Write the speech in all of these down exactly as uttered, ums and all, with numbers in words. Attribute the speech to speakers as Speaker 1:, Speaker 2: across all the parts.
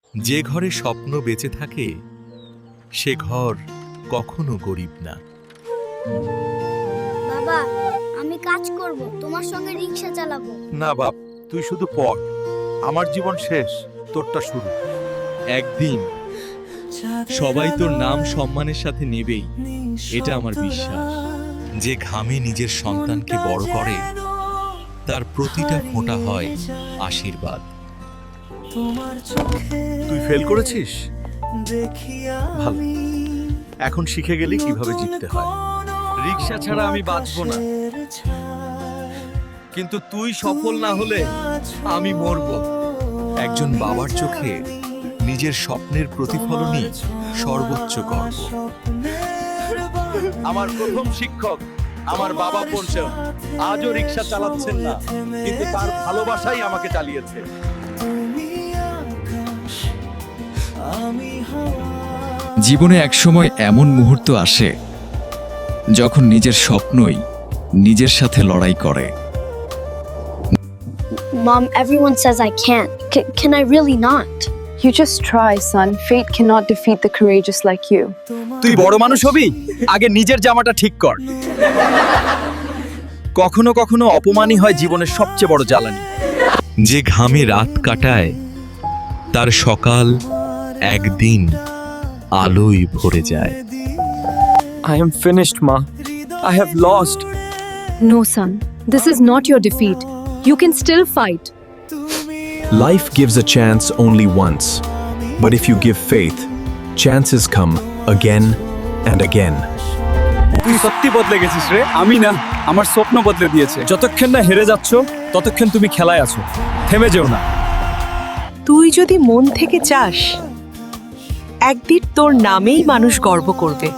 Speaker 1: যে ঘরে স্বপ্ন বেঁচে থাকে সে ঘর কখনো গরিব না।
Speaker 2: বাবা, আমি কাজ করব, তোমার সঙ্গে রিকশা চালাবো।
Speaker 3: না বাপ, তুই শুধু পড়। আমার জীবন শেষ, তোরটা শুরু।
Speaker 1: একদিন সবাই তোর নাম সম্মানের সাথে নেবেই, এটা আমার বিশ্বাস। যে ঘামে নিজের সন্তানকে বড় করে তার প্রতিটা ফোঁটা হয় আশীর্বাদ।
Speaker 3: তুই ফেল করেছিস? ভালো, এখন শিখে গেলি কিভাবে জিততে হয়।
Speaker 4: রিকশা ছাড়া আমি বাঁচবো না, কিন্তু তুই সফল না হলে আমি মরব।
Speaker 1: একজন বাবার চোখে নিজের স্বপ্নের প্রতিফলনই সর্বোচ্চ গর্ব।
Speaker 3: আমার প্রথম শিক্ষক আমার বাবা পঞ্চম, আজও রিকশা চালাচ্ছেন না, কিন্তু তার ভালোবাসাই আমাকে চালিয়েছে।
Speaker 5: জীবনে একসময় এমন মুহূর্ত আসে যখন নিজের স্বপ্নই নিজের সাথে লড়াই করে।
Speaker 2: Mom, everyone says I can't. C- can I really not?
Speaker 6: You just try, son. Fate cannot defeat the courageous like you.
Speaker 4: তুই বড় মানুষ হবি, আগে নিজের জামাটা ঠিক কর। কখনো কখনো অপমানই হয় জীবনের সবচেয়ে বড় জ্বালানি।
Speaker 1: যে ঘামে রাত কাটায় তার সকাল একদিন আলোয় ভরে যায়।
Speaker 4: I am finished, Ma. I have lost.
Speaker 6: No, son. This is not your defeat. You can still fight.
Speaker 7: Life gives a chance only once, but if you give faith, chances come again and again.
Speaker 4: তুই সত্যি বদলে গেছিস রে। আমি না, আমার স্বপ্ন বদলে দিয়েছে। যতক্ষণ না হেরে যাচ্ছ ততক্ষণ তুমি খেলায় আছো, থেমে যেও না।
Speaker 8: তুই যদি মন থেকে চাস, একদিন তোর নামেই মানুষ গর্ব করবে।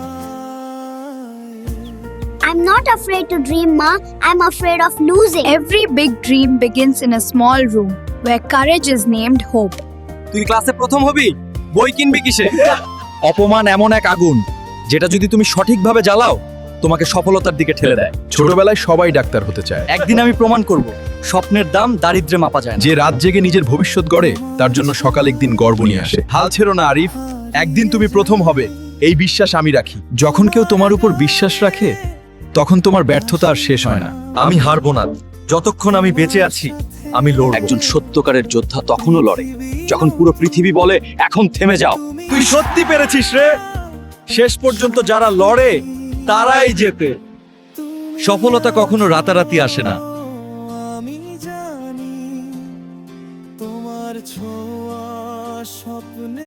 Speaker 2: I'm not afraid to dream, Ma. I'm afraid of losing.
Speaker 9: Every big dream begins in a small room where courage is named hope.
Speaker 4: তুই ক্লাসে প্রথম হবি, বই কিনবি কিসে? অপমান এমন এক আগুন যেটা যদি তুমি সঠিকভাবে জ্বালাও তোমাকে সফলতার দিকে ঠেলে দেয়।
Speaker 7: ছোটবেলায় সবাই ডাক্তার হতে চায়।
Speaker 4: একদিন আমি প্রমাণ করব স্বপ্নের দাম দারিদ্র্যে মাপা যায় না।
Speaker 7: যে রাত জেগে নিজের ভবিষ্যৎ গড়ে তার জন্য সকাল একদিন গর্ব নিয়ে আসে।
Speaker 3: হাল ছেড়ো না আরিফ, একদিন তুমি প্রথম হবে, এই বিশ্বাস আমি রাখি।
Speaker 7: যখন কেউ তোমার উপর বিশ্বাস রাখে তখন তোমার ব্যর্থতা আর শেষ হয় না।
Speaker 4: আমি হারবো না, যতক্ষণ আমি বেঁচে আছি আমি লড়ব। একজন সত্যকারের যোদ্ধা তখনও লড়ে যখন পুরো পৃথিবী বলে এখন থেমে যাও। তুই সত্যি পেরেছিস রে। শেষ পর্যন্ত যারা লড়ে তারাই জেতে। সফলতা কখনো রাতারাতি আসে না।
Speaker 10: আমি জানি তোমার ছোঁয়া স্বপ্নে